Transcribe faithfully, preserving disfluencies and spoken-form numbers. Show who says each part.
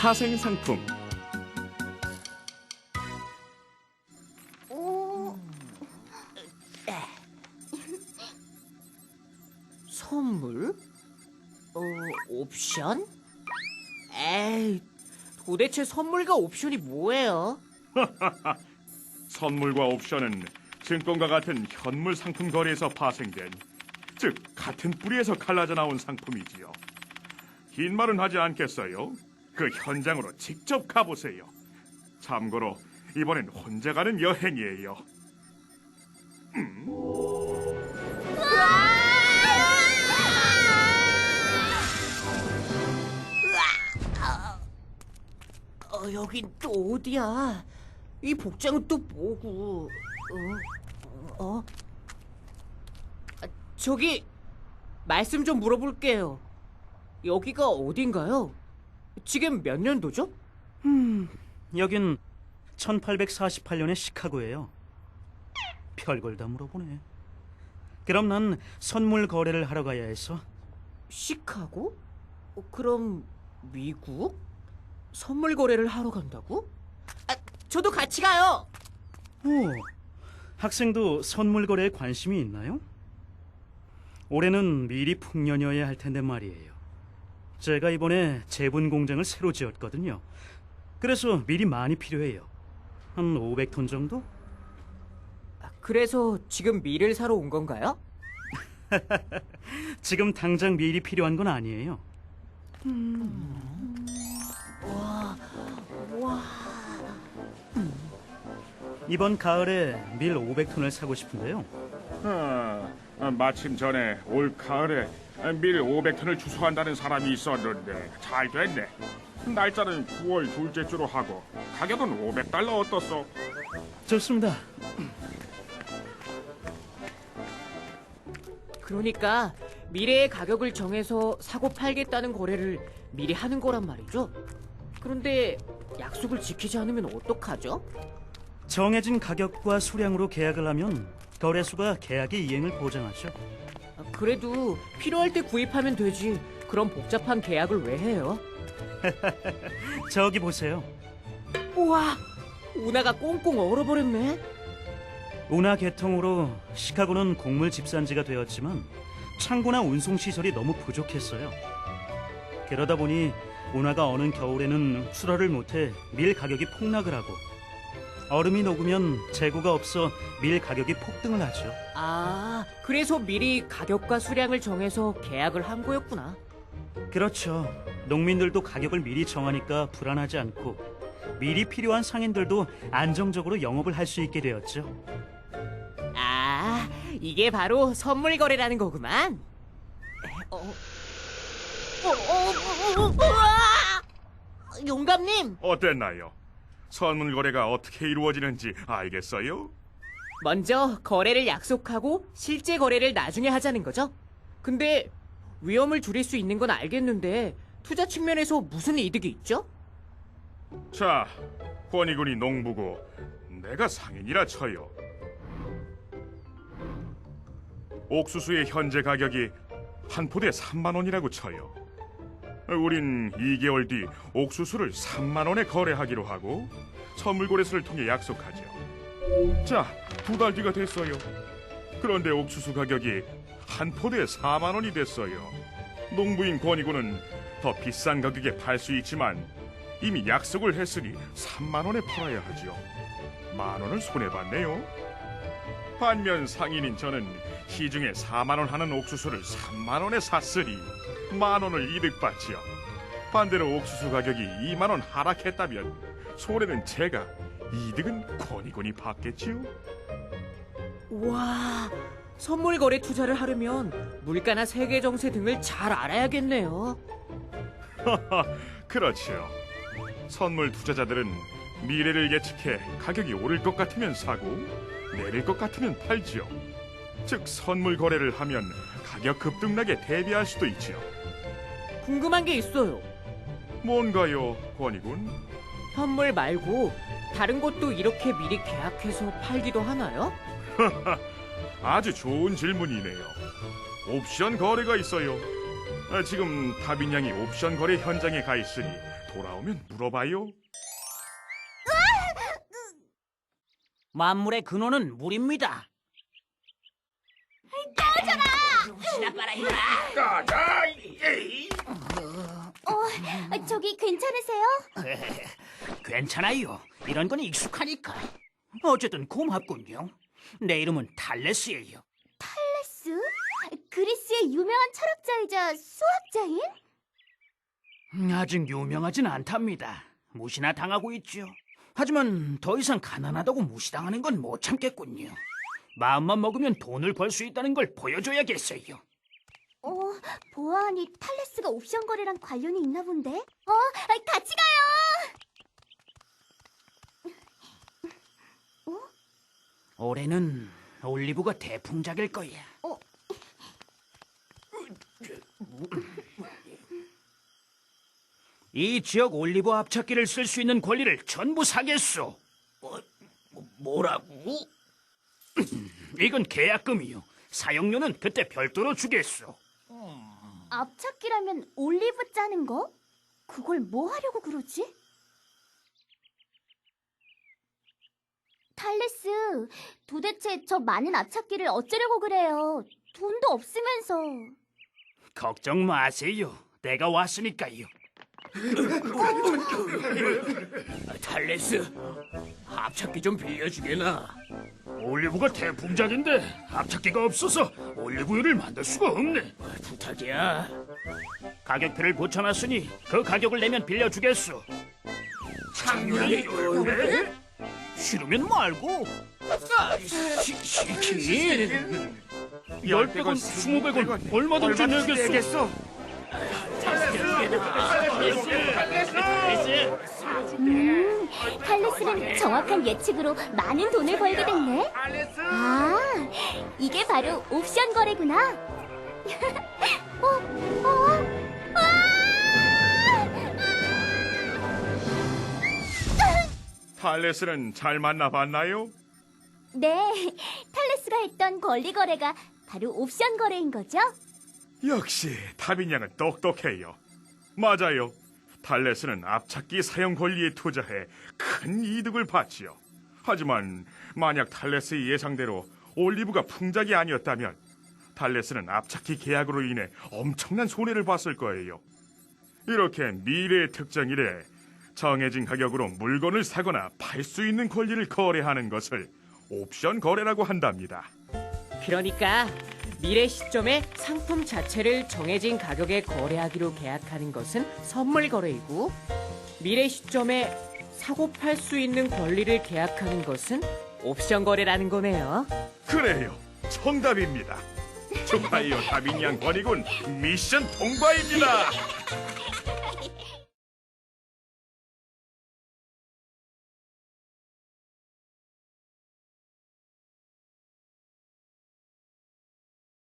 Speaker 1: 파생 상품.
Speaker 2: 선물? 어, 옵션? 에이, 도대체 선물과 옵션이 뭐예요?
Speaker 1: 선물과 옵션은 증권과 같은 현물 상품 거래에서 파생된, 즉 같은 뿌리에서 갈라져 나온 상품이지요. 긴 말은 하지 않겠어요? 그 현장으로 직접 가보세요. 참고로 이번엔 혼자 가는 여행이에요.
Speaker 2: 어, 여긴 또 어디야? 이 복장은 또 뭐고? 어? 어? 아, 저기 말씀 좀 물어볼게요. 여기가 어딘가요? 지금 몇 년도죠?
Speaker 3: 여긴 천팔백사십팔 년의 시카고예요. 별걸 다 물어보네. 그럼 난 선물 거래를 하러 가야 해서.
Speaker 2: 시카고? 어, 그럼 미국? 선물 거래를 하러 간다고? 아, 저도 같이 가요.
Speaker 3: 오, 학생도 선물 거래에 관심이 있나요? 올해는 미리 풍년이어야 할 텐데 말이에요. 제가 이번에 제분 공장을 새로 지었거든요. 그래서 미리 많이 필요해요. 한 오백 톤 정도?
Speaker 2: 아, 그래서 지금 밀을 사러 온 건가요?
Speaker 3: 지금 당장 미리 필요한 건 아니에요.
Speaker 2: 와,
Speaker 3: 이번 가을에 밀 오백 톤을 사고 싶은데요.
Speaker 1: 아, 마침 전에 올 가을에 밀 오백 톤을 주소한다는 사람이 있었는데 잘 됐네. 날짜는 구월 둘째 주로 하고 가격은 오백 달러 어떻소?
Speaker 3: 좋습니다.
Speaker 2: 그러니까 미래의 가격을 정해서 사고 팔겠다는 거래를 미리 하는 거란 말이죠. 그런데 약속을 지키지 않으면 어떡하죠?
Speaker 3: 정해진 가격과 수량으로 계약을 하면 거래소가 계약의 이행을 보장하죠.
Speaker 2: 아, 그래도 필요할 때 구입하면 되지. 그런 복잡한 계약을 왜 해요?
Speaker 3: 저기 보세요.
Speaker 2: 우와, 운하가 꽁꽁 얼어버렸네.
Speaker 3: 운하 개통으로 시카고는 곡물 집산지가 되었지만 창고나 운송 시설이 너무 부족했어요. 그러다 보니 운하가 어느 겨울에는 출하를 못해 밀 가격이 폭락을 하고, 얼음이 녹으면 재고가 없어 밀 가격이 폭등을 하죠.
Speaker 2: 아, 그래서 미리 가격과 수량을 정해서 계약을 한 거였구나.
Speaker 3: 그렇죠. 농민들도 가격을 미리 정하니까 불안하지 않고, 미리 필요한 상인들도 안정적으로 영업을 할 수 있게 되었죠.
Speaker 2: 아, 이게 바로 선물 거래라는 거구만. 어, 어, 어, 어, 어, 우와! 용감님,
Speaker 1: 어땠나요? 선물 거래가 어떻게 이루어지는지 알겠어요?
Speaker 2: 먼저 거래를 약속하고 실제 거래를 나중에 하자는 거죠? 근데 위험을 줄일 수 있는 건 알겠는데 투자 측면에서 무슨 이득이 있죠?
Speaker 1: 자, 권희군이 농부고 내가 상인이라 쳐요. 옥수수의 현재 가격이 한 포대에 삼만 원이라고 쳐요. 우린 이 개월 뒤 옥수수를 삼만 원에 거래하기로 하고 선물 거래소를 통해 약속하죠. 자, 두 달 뒤가 됐어요. 그런데 옥수수 가격이 한 포대에 사만 원이 됐어요. 농부인 권희군은 더 비싼 가격에 팔 수 있지만 이미 약속을 했으니 삼만 원에 팔아야 하죠. 만 원을 손해봤네요. 반면 상인인 저는 시중에 사만 원 하는 옥수수를 삼만 원에 샀으니 만 원을 이득봤지요. 반대로 옥수수 가격이 이만 원 하락했다면 손해는 제가, 이득은 권희군이 받겠지요.
Speaker 2: 우와, 선물 거래 투자를 하려면 물가나 세계 정세 등을 잘 알아야겠네요.
Speaker 1: 그렇죠. 선물 투자자들은 미래를 예측해 가격이 오를 것 같으면 사고 내릴 것 같으면 팔지요. 즉 선물 거래를 하면 가격 급등락에 대비할 수도 있지요.
Speaker 2: 궁금한 게 있어요.
Speaker 1: 뭔가요, 권희군?
Speaker 2: 현물 말고 다른 것도 이렇게 미리 계약해서 팔기도 하나요?
Speaker 1: 아주 좋은 질문이네요. 옵션 거래가 있어요. 아, 지금 다빈 양이 옵션 거래 현장에 가 있으니 돌아오면 물어봐요.
Speaker 4: 만물의 근원은 물입니다.
Speaker 5: 어, 저기 괜찮으세요?
Speaker 4: 괜찮아요. 이런 건 익숙하니까. 어쨌든 고맙군요. 내 이름은 탈레스예요.
Speaker 5: 탈레스? 그리스의 유명한 철학자이자 수학자인?
Speaker 4: 아직 유명하진 않답니다. 무시나 당하고 있죠. 하지만 더 이상 가난하다고 무시당하는 건 못 참겠군요. 마음만 먹으면 돈을 벌 수 있다는 걸 보여줘야겠어요.
Speaker 5: 어, 보아하니 탈레스가 옵션 거래랑 관련이 있나 본데? 어, 같이 가요!
Speaker 4: 올해는 올리브가 대풍작일 거야.
Speaker 5: 어.
Speaker 4: 이 지역 올리브 앞찾기를 쓸 수 있는 권리를 전부 사겠소. 뭐, 뭐라고? 이건 계약금이요. 사용료는 그때 별도로 주겠소.
Speaker 5: 앞찾기라면 올리브 짜는 거? 그걸 뭐 하려고 그러지? 탈레스, 도대체 저 많은 앞찾기를 어쩌려고 그래요? 돈도 없으면서.
Speaker 4: 걱정 마세요. 내가 왔으니까요. 탈레스, 앞찾기 좀 빌려주게나. 올리브가 대풍작인데 앞찾기가 없어서 올리브유를 만들 수가 없네. 부탁이야. 가격표를 붙여놨으니 그 가격을 내면 빌려주겠소. 장난이 얼마네? 싫으면 말고. 시, 시킨. 열백 원, 스무백 원 얼마든지 내겠소.
Speaker 5: 음, 탈레스는 정확한 예측으로 많은 돈을 벌게 됐네. 아, 이게 바로 옵션 거래구나. 어, 어,
Speaker 1: 탈레스는 잘 만나봤나요?
Speaker 5: 네, 탈레스가 했던 권리 거래가 바로 옵션 거래인 거죠?
Speaker 1: 역시 타빈 양은 똑똑해요. 맞아요. 탈레스는 앞찾기 사용 권리에 투자해 큰 이득을 봤지요. 하지만 만약 탈레스의 예상대로 올리브가 풍작이 아니었다면 탈레스는 앞찾기 계약으로 인해 엄청난 손해를 봤을 거예요. 이렇게 미래의 특정일에 정해진 가격으로 물건을 사거나 팔 수 있는 권리를 거래하는 것을 옵션 거래라고 한답니다.
Speaker 2: 그러니까 미래 시점에 상품 자체를 정해진 가격에 거래하기로 계약하는 것은 선물 거래이고, 미래 시점에 사고 팔 수 있는 권리를 계약하는 것은 옵션 거래라는 거네요.
Speaker 1: 그래요. 정답입니다. 축하해요, 다빈 양 권위군. 미션 통과입니다.